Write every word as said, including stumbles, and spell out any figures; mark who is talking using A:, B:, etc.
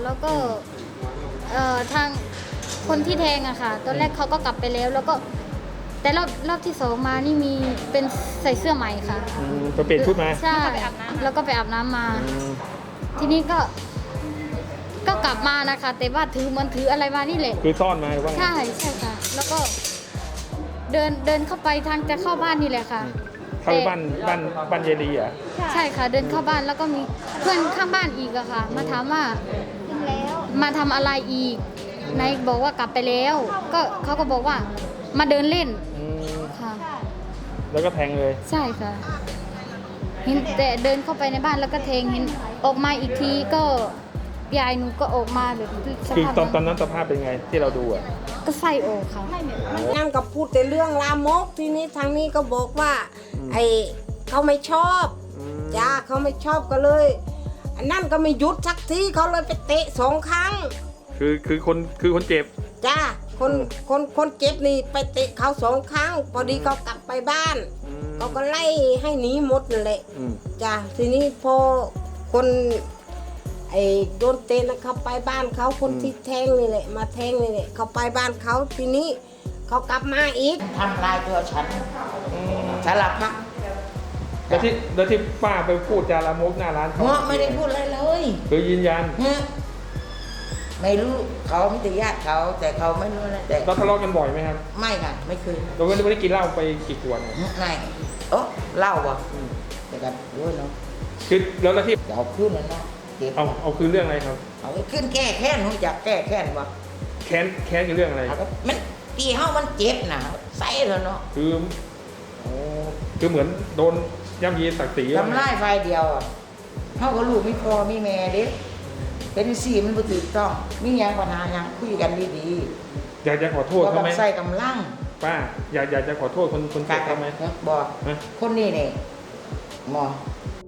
A: แล้วก็เอ่อทางคนที่แทงอะค่ะตอนแรกเขาก็กลับไปแล้วแล้วก็แต่รอบรอบที่สองมานี่มีเป็นใส่เสื้อใหม่ค่ะ
B: อืมไปเปลี่ยนชุดมา
A: ใช่แล้วก็ไปอาบน้ำมา
B: อืม
A: ทีนี้ก็ก็กลับมานะคะแต่ว่าถือเหมันถืออะไรมานี่แหละ
B: คือซ่อนมาหรือว่าไง
A: ใช่ใช่ค่ะ แล้วก็เดินเดินเข้าไปทางจะเข้าบ้านนี่แหละค่ะ
B: เข้าไปบ้านบ้านบ้านเยดีเหรอ่ะ
A: ใช่ค่ะเดินเข้าบ้านแล้วก็มีเพื่อนข้างบ้านอีกอะค่ะ มาถามว่ามาทำอะไรอีกนายบอกว่ากลับไปแล้ว ก็เขาก็บอกว่ามาเดินเล่น
B: อืม
A: ค่ะ
B: แล้วก็แทงเลย
A: ใช่ค่ะเห็นแต่เดินเข้าไปในบ้านแล้วก็เทงเห็นออกมาอีกทีก็ยายหนูก็ออกมาแบบส
B: คือ
A: ภาพ
B: ตอนตอนนั้นสภาพเป็นไงที่เราดูอ่ะ
A: ก็ไส้ออกค่ะ
C: นั่นก็พูดแต่เรื่องลามกทีนี้ทางนี้ก็บอกว่าไอ้เขาไม่ชอบจ้าเขาไม่ชอบก็เลยอันนั่นก็ไม่หยุดสักทีเขาเลยไปเตะสองครั้ง
B: คือคือคนคือคนเจ็บ
C: จ้าคนคนคนเจ็บนี่ไปเตะเขาสองครั้ง พอดีเขากลับไปบ้าน
B: อืม
C: เขาก็ไล่ให้หนีหมดนั่นแหละ
B: อืม
C: จ้าทีนี้พอคนไอ้โดนเตะนะเขาไปบ้านเขาคนที่แทงนี่แหละมาแทงนี่แหละเขาไปบ้านเขาทีนี้เขากลับมาอีก
D: ทำลายตัวฉันสารพัด
B: แล้วที่แล้วที่ป้าไปพูดจาลามกหน้าร้านเขา
D: เงาะไม่ได้พูดอะไรเลย
B: คือยืนยัน
D: เงาะไม่รู้เขาไม่ได้ญาติเขา แต่เขาไม่รู้นะแต่
B: เราทะเลาะกันบ่อยไหมครับ
D: ไม่ค่ะไม่เคย
B: เราไม่ได้กินเหล้าไปกี่ขวดเนี่ย
D: ไม่โอ้เล่าว่ะแต่กันรู้เนาะ
B: คือแล้วแล้วที่
D: เดี๋ยวเอาขึ้นแล้วเนาะเก็บ
B: เอาเอาคือเรื่องอะไรครับ
D: เอาไว้ขึ้นแก้แค้นรู้จักแก้แค้นวะ
B: แค้นแค้นคือเรื่องอะไร
D: เอาก็มันตีเฮามันเจ็บนะใส่แล้วเนาะ
B: คือโอ้คือเหมือนโดนย่ำยีศักดิ์ศรีอะไร
D: ทำลายไฟเดียวอ่ะเฮาก็ลูกไม่พอมีแม่เด็กเป็นสีมันบ่ถูกต้องมีหยังปัญหาหยังคุยกันดี
B: อยากจะขอโท
D: ๆ
B: ษ
D: บ่
B: เขา
D: ต้อ
B: ไหม
D: งใส่กำลัง
B: ป้าอยากอยากจะขอโทษคนคนเจ็บเขาไหม
D: บอก
B: ฮะ
D: คนนี้เนี่ยหมอ